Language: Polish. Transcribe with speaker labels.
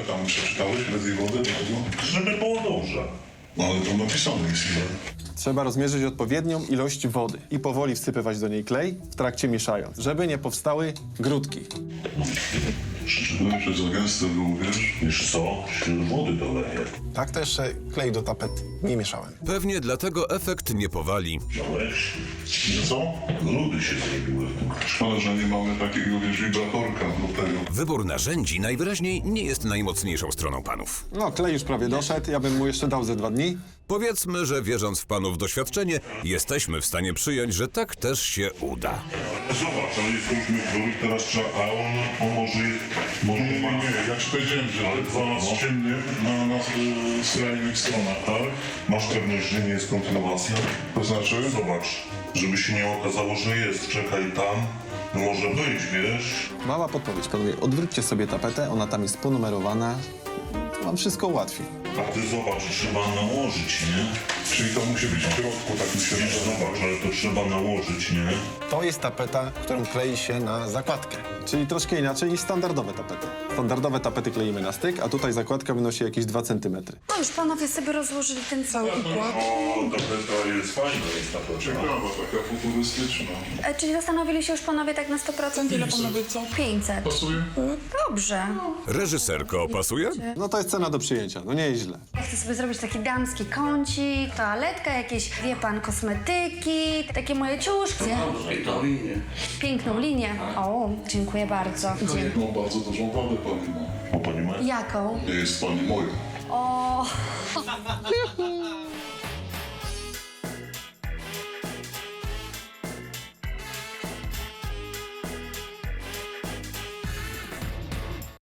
Speaker 1: tam przeczytałeś bez tej wody?
Speaker 2: Żeby było dobrze.
Speaker 1: No ale to napisane jest ile.
Speaker 3: Trzeba rozmierzyć odpowiednią ilość wody i powoli wsypywać do niej klej, w trakcie mieszając, żeby nie powstały grudki.
Speaker 1: Przyczyniłem, że za gęste było, wiesz?
Speaker 2: Wiesz co? Się wody doleje.
Speaker 4: Tak to jeszcze klej do tapet nie mieszałem.
Speaker 5: Pewnie dlatego efekt nie powali.
Speaker 2: Wziąłeś?
Speaker 1: No co?
Speaker 2: Grudy się zrobiły w tym.
Speaker 1: Szkoda, że nie mamy takiego, wiesz, wibratorka do tego.
Speaker 5: Wybór narzędzi najwyraźniej nie jest najmocniejszą stroną panów.
Speaker 3: No, klej już prawie doszedł, ja bym mu jeszcze dał ze 2 dni.
Speaker 5: Powiedzmy, że wierząc w panów doświadczenie, jesteśmy w stanie przyjąć, że tak też się uda.
Speaker 2: Zobacz, ale jest różnych grup, teraz trzeba, a on może
Speaker 1: Nie,
Speaker 2: ma...
Speaker 1: ja ci powiedziałem, że
Speaker 2: Ale dwa
Speaker 1: z ciemnych na skrajnych stronach, tak?
Speaker 2: Masz pewność, że nie jest kontynuacja?
Speaker 1: To znaczy?
Speaker 2: Zobacz, żeby się nie okazało, że jest. Czekaj tam. No może być, wiesz?
Speaker 3: Mała podpowiedź, panowie, odwróćcie sobie tapetę, ona tam jest ponumerowana. To wam wszystko ułatwi.
Speaker 2: A ty zobacz, trzeba nałożyć, nie?
Speaker 1: Czyli to musi być w środku, tak mi się
Speaker 2: Wiesz,
Speaker 1: wydaje.
Speaker 2: zobacz, ale to trzeba nałożyć, nie?
Speaker 4: To jest tapeta, którą klei się na zakładkę.
Speaker 3: Czyli troszkę inaczej niż standardowe tapety. Standardowe tapety kleimy na styk, a tutaj zakładka wynosi jakieś 2 cm.
Speaker 6: No już panowie sobie rozłożyli ten cały układ.
Speaker 2: O, to jest fajne, jest ta to
Speaker 1: Ciekawa, taka futurystyczna.
Speaker 6: Czyli zastanowili się już panowie tak na 100%? Ile panowie co? 500.
Speaker 1: Pasuje?
Speaker 6: Dobrze.
Speaker 5: Reżyserko, pasuje?
Speaker 3: No to jest cena do przyjęcia, no nie jest źle.
Speaker 6: Ja chcę sobie zrobić taki damski kącik, toaletka, jakieś, wie pan, kosmetyki, takie moje ciuszki. Piękną linię. O, dziękuję bardzo.
Speaker 1: No bardzo dużą wadę pani ma.
Speaker 2: O, pani ma?
Speaker 6: Jaką?
Speaker 1: Nie jest pani moja.
Speaker 6: O,